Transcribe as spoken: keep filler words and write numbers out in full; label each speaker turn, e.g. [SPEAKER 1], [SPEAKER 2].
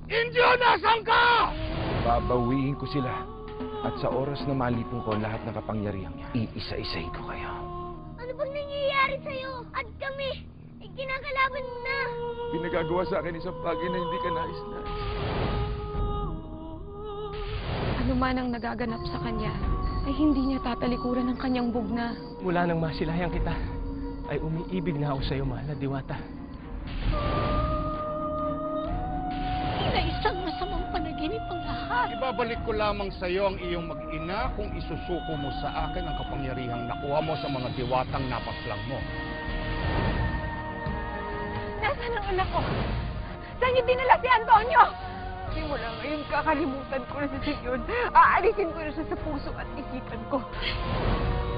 [SPEAKER 1] Indio, nasan ka?
[SPEAKER 2] Babawiin ko sila. At sa oras na malipong ko lahat ng kapangyarihan niya, iisa-isahin ko kayo.
[SPEAKER 3] Ano bang nangyayari sa'yo? At kami, eh, kinakalaban mo na.
[SPEAKER 2] Pinagagawa sa akin isang bagay na hindi ka nais-nais.
[SPEAKER 4] Ano man ang nagaganap sa kanya, ay hindi niya tatalikuran ng kanyang bugna.
[SPEAKER 5] Mula nang masilayan kita, ay umiibig na ako sa'yo, mahal na diwata.
[SPEAKER 3] Na isang masamang panaginip ang lahat.
[SPEAKER 1] Ibabalik ko lamang sa iyo ang iyong mag-ina kung isusuko mo sa akin ang kapangyarihang nakuha mo sa mga diwatang napaslang mo.
[SPEAKER 4] Nasaan ang anak ko? Saan niyo dinala si Antonio? Simula ngayon, kakalimutan ko na si Senyor. Aalisin ko na siya sa puso at isipan ko.